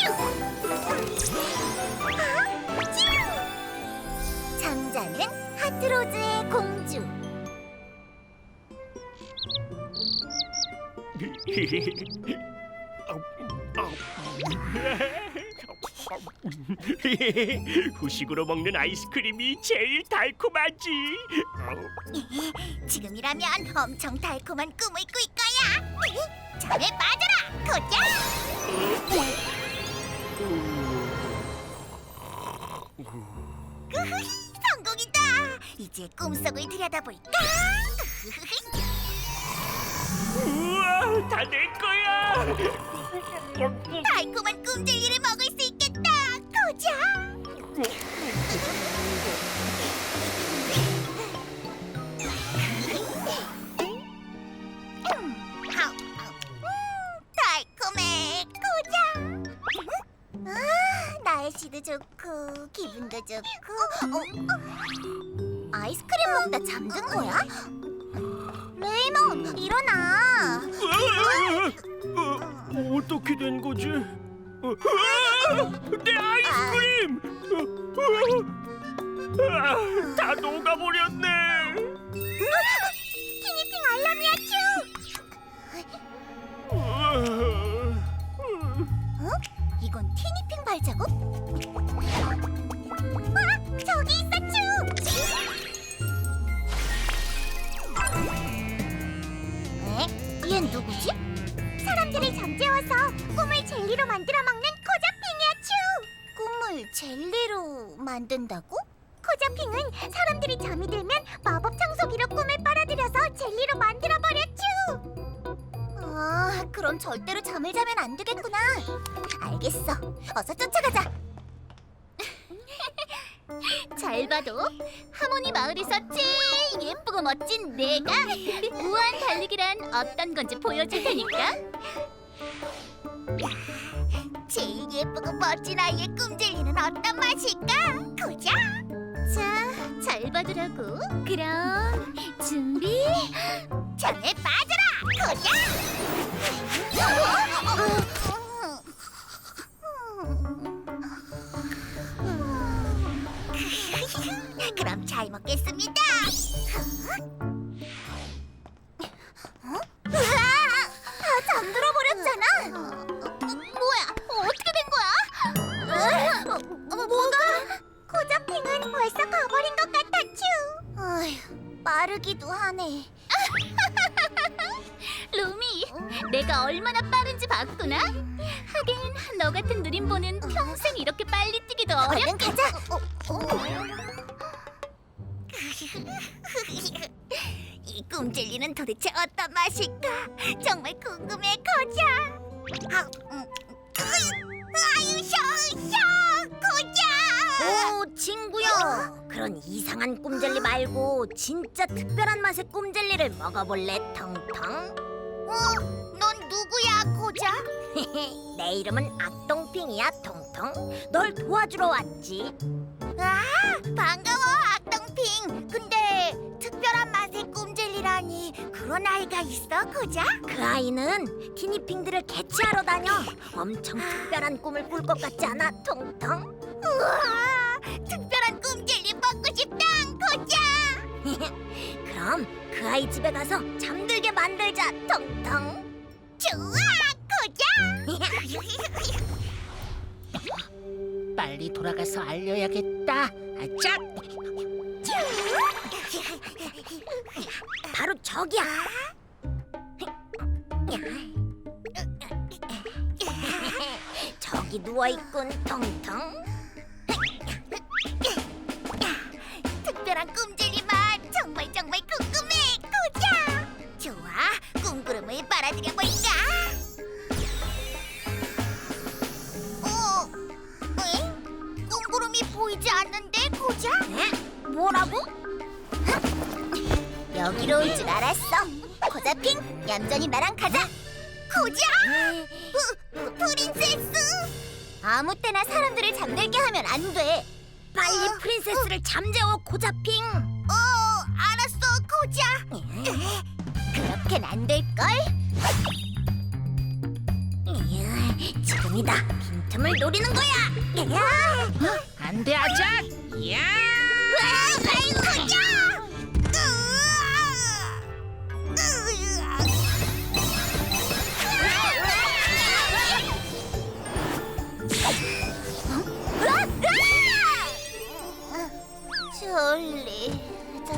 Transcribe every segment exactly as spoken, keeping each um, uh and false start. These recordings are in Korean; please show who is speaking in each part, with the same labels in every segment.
Speaker 1: 장자는 하트로즈의 공주.
Speaker 2: 후식으로 먹는 아이스크림이 제일 달콤하지.
Speaker 1: 지금이라면 엄청 달콤한 꿈을 꿀 거야. 잠에 빠져라, 고자. 성공이다. 이제 꿈속을 들여다볼까?
Speaker 2: 우와, 다 내 거야.
Speaker 1: 달콤한 꿈젤리를 먹을 수 있겠다, 고자. 음, 아우, 아우. 음, 달콤해, 고자. 아, 날씨도 좋고 기분도 좋고. 어, 어. 아이스크림 먹다 잠든 거야? 레이몬, 일어나.
Speaker 2: 어, 어떻게 된 거지? 어, 으아! 내 아이스크림! 어, 아, 다 녹아버렸네.
Speaker 1: 티니핑 알람이야, 츄. 어? 이건 티니핑 발자국? 와, 저기 있어, 츄. 에? 얘는 누구지? 사람들을 잠재워서 꿈을 젤리로 만들어 먹는 코자핑이야, 츄. 꿈을 젤리로 만든다고? 코자핑은 사람들이 잠이 들면 마법 청소기로 꿈을 빨아들여서 젤리로 만들어버려, 츄. 아, 그럼 절대로 잠을 자면 안 되겠구나. 알겠어. 어서 쫓아가자. 잘 봐도 하모니 마을에서 제일 예쁘고 멋진 내가 무한 달리기란 어떤 건지 보여줄 테니까. 제일 예쁘고 멋진 아이의 꿈젤리는 어떤 맛일까? 고자. 자, 잘 봐두라고. 그럼 준비. 잠에 빠져라, 고자. 그럼 잘 먹겠습니다. 어? 으아! 다 잠들어 버렸잖아. 뭐야? 어떻게 된 거야? 뭐가? 코자핑은 벌써 가버린 것 같아, 츄. 어휴, 빠르기도 하네.
Speaker 3: 루미, 내가 얼마나 빠른지 봤구나? 하긴 너 같은 느림보는 평생 이렇게 빨리 뛰기도
Speaker 1: 얼른
Speaker 3: 어렵.
Speaker 1: 가자. 어, 어. 이 꿈젤리는 도대체 어떤 맛일까? 정말 궁금해, 거자. 아, 음. 아유, 셔셔, 거자.
Speaker 4: 오, 친구야. 그런 이상한 꿈젤리 말고 진짜 특별한 맛의 꿈젤리를 먹어볼래, 텅텅?
Speaker 1: 어, 넌 누구야, 거자?
Speaker 4: 내 이름은 악동핑이야, 텅텅. 널 도와주러 왔지.
Speaker 1: 아, 반가워, 악동핑. 근데 특별한 맛의 꿈젤리라니 그런 아이가 있어, 거자?
Speaker 4: 그 아이는 티니핑들을 개최하러 다녀. 엄청 특별한 꿈을 꿀 것 같지 않아, 텅텅?
Speaker 1: 우와, 특별한 꿈젤리 먹고 싶다, 거자.
Speaker 4: 그럼 그 아이 집에 가서 잠들게 만들자, 텅텅.
Speaker 1: 좋아, 거자.
Speaker 5: 빨리 돌아가서 알려야겠다. 아짜!
Speaker 4: 바로 저기야. 저기 누워있군, 텅텅.
Speaker 1: 특별한 꿈젤리 맛 정말 정말 궁금해, 거자. 좋아, 꿈구름을 빨아들여 볼까? 어, 에? 꿈구름이 보이지 않는데, 거자?
Speaker 4: 에? 뭐라고?
Speaker 1: 여기로 올 줄 알았어. 거자핑, 얌전히 나랑 가자. 거자? 프, 프린세스? 아무 때나 사람들을 잠들게 하면 안 돼.
Speaker 4: 빨리
Speaker 1: 어?
Speaker 4: 프린세스를 잠재워, 고자핑.
Speaker 1: 어, 알았어, 거자. 그렇게는 안 될걸?
Speaker 4: 이야, 지금이다. 빈틈을 노리는 거야.
Speaker 5: 안돼 아작. 야.
Speaker 1: 졸리다.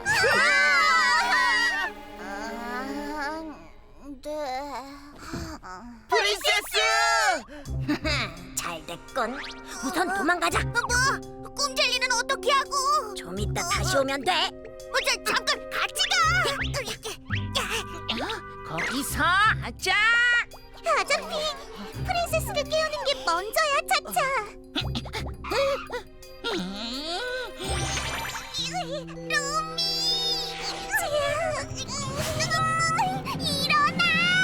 Speaker 1: 네.
Speaker 2: 프린세스!
Speaker 4: 잘 됐군. 우선 도망가자.
Speaker 1: 뭐? 꿈젤리는 어떻게 하고?
Speaker 4: 좀 이따 다시 오면 돼.
Speaker 1: 어, 자, 잠깐 같이 가.
Speaker 5: 거기서 아작.
Speaker 1: 아자핑, 프린세스를 깨우는 게 먼저야, 차차. 루미, 일어나.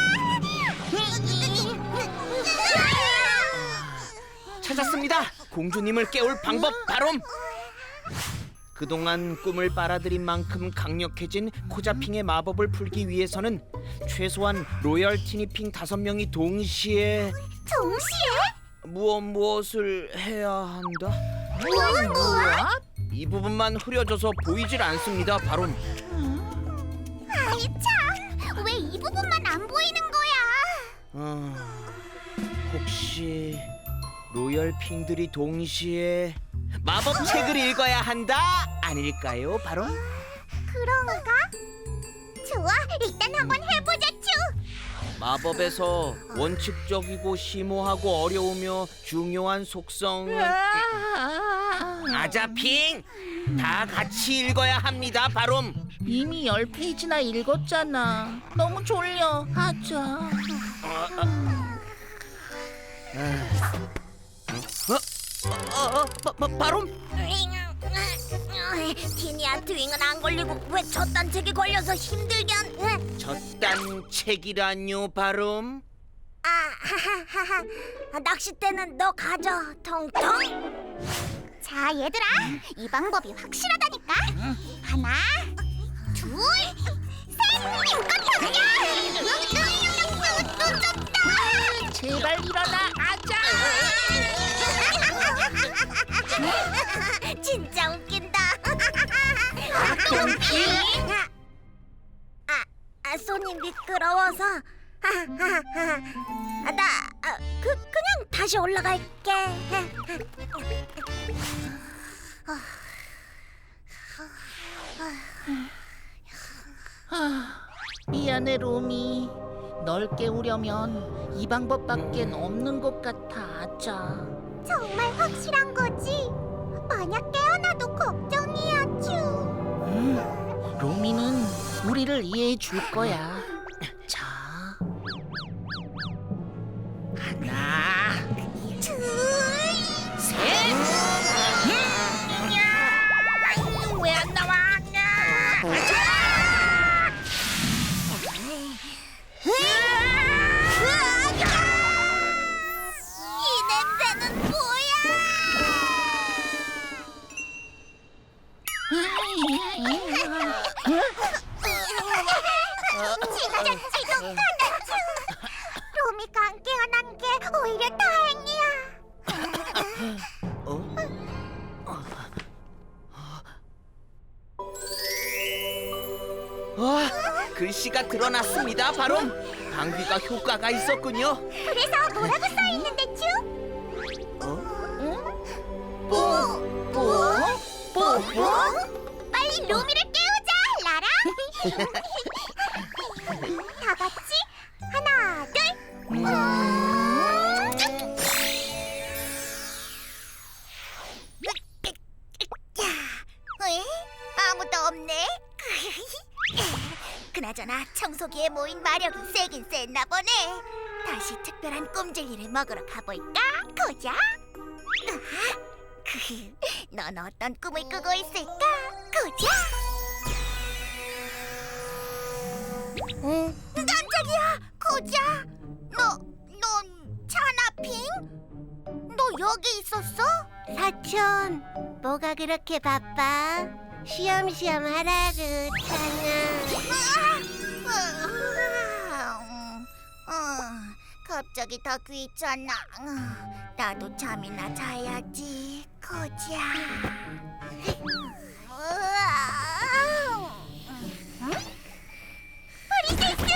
Speaker 2: 찾았습니다. 공주님을 깨울 방법 바로. 그동안 꿈을 빨아들인 만큼 강력해진 코자핑의 마법을 풀기 위해서는 최소한 로열 티니핑 다섯 명이 동시에
Speaker 1: 동시에?
Speaker 2: 무엇 무엇을 해야 한다.
Speaker 1: 무엇 무엇?
Speaker 2: 이 부분만 흐려져서 보이질 않습니다. 바로
Speaker 1: 아이 참, 왜 이 부분만 안 보이는 거야?
Speaker 2: 어, 혹시 로열 핑들이 동시에 마법 책을 읽어야 한다 아닐까요? 바로
Speaker 1: 그런가? 좋아, 일단 한번 해보자, 쭈.
Speaker 2: 마법에서 원칙적이고 심오하고 어려우며 중요한 속성 아자핑 다 같이 읽어야 합니다. 바로
Speaker 5: 이미 열 페이지나 읽었잖아. 너무 졸려. 아작.
Speaker 2: 어, 어, 바, 바, 바로
Speaker 4: 티니야, 트윙은 안 걸리고 왜 저딴 책이 걸려서 힘들게 한?
Speaker 2: 저딴 책이라뇨. 바로
Speaker 4: 아, 하하하하. 낚싯대는 너 가져, 텅텅.
Speaker 1: 자, 얘들아, 이 방법이 확실하다니까. 하나, 둘, 셋, 힘껏 던져.
Speaker 5: 제발 일어나 아작.
Speaker 4: 진짜 웃긴다. 아, 아, 손이 미끄러워서. 아, 아, 아, 나 아, 그 그냥 다시 올라갈게.
Speaker 5: 미안해 로미. 널 깨우려면 이 방법밖엔 없는 것 같아 아작.
Speaker 1: 정말 확실한 거지? 만약 깨어나도 걱정이야, 쭈.
Speaker 5: 음, 로미는 우리를 이해해 줄 거야. 자, 하나,
Speaker 1: 둘,
Speaker 5: 셋. 왜 안 나와?
Speaker 1: 이 냄새는 뭐야? 진짜 지독하다, 쭈. 로미가 안 깨어난 게 오히려 다행이야.
Speaker 2: 어? 와, 글씨가 드러났습니다. 바로 방귀가 효과가 있었군요.
Speaker 1: 그래서 뭐라고 써 있는데, 쭈?
Speaker 2: 어?
Speaker 1: 뭐? 뭐? 뭐? 뭐? 빨리 로미를 깨우자, 라라. 다 같이 하나, 둘. 음. 에? 아무도 없네. 그나저나 청소기에 모인 마력이 세긴 셌나 보네. 다시 특별한 꼼젤리를 먹으러 가볼까, 고자? 넌 어떤 꿈을 꾸고 있을까, 고자? 응? 깜짝이야, 고자. 너, 넌 차나핑? 너 여기 있었어? 사촌, 뭐가 그렇게 바빠? 쉬엄쉬엄 하라고, 차나. 어, 갑자기 다 귀찮아. 어, 나도 잠이나 자야지. 코자. 프린세스!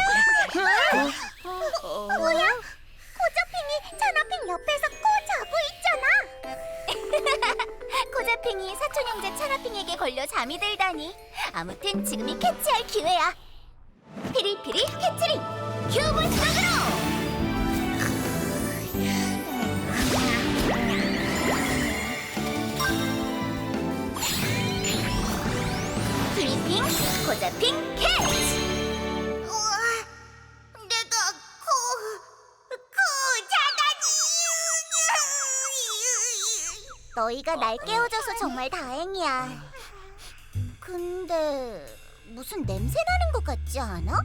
Speaker 1: 뭐야? 코자핑이 차나핑 옆에서 코 자고 있잖아. 코자핑이 사촌 형제 차나핑에게 걸려 잠이 들다니. 아무튼 지금이 캐치할 기회야. 피리피리 캐치링 큐브 속으로. 피리핑 코자핑 캐치. 우와, 내가 코, 코 자다니. 너희가 날 깨워줘서 정말 다행이야. 근데 무슨 냄새 나는 것 같지 않아?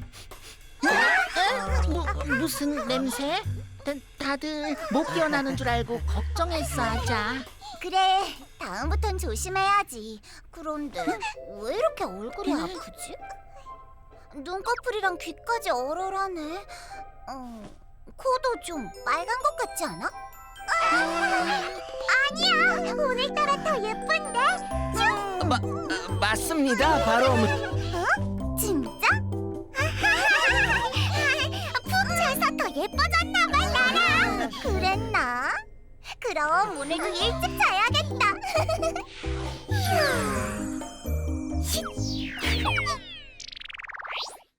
Speaker 5: 뭐, 무슨 냄새? 다, 다들 못 깨어나는 줄 알고 걱정했어, 아자.
Speaker 1: 그래, 다음부턴 조심해야지. 그런데 왜 이렇게 얼굴이 아프지? 눈꺼풀이랑 귀까지 얼얼하네. 어, 코도 좀 빨간 것 같지 않아? 아니야, 오늘따라 더 예쁜데? 쭉!
Speaker 2: 마, 맞습니다. 바로
Speaker 1: 진짜? 푹 자서 더 예뻐졌나 봐, 나랑. 그랬나? 그럼 오늘도 일찍 자야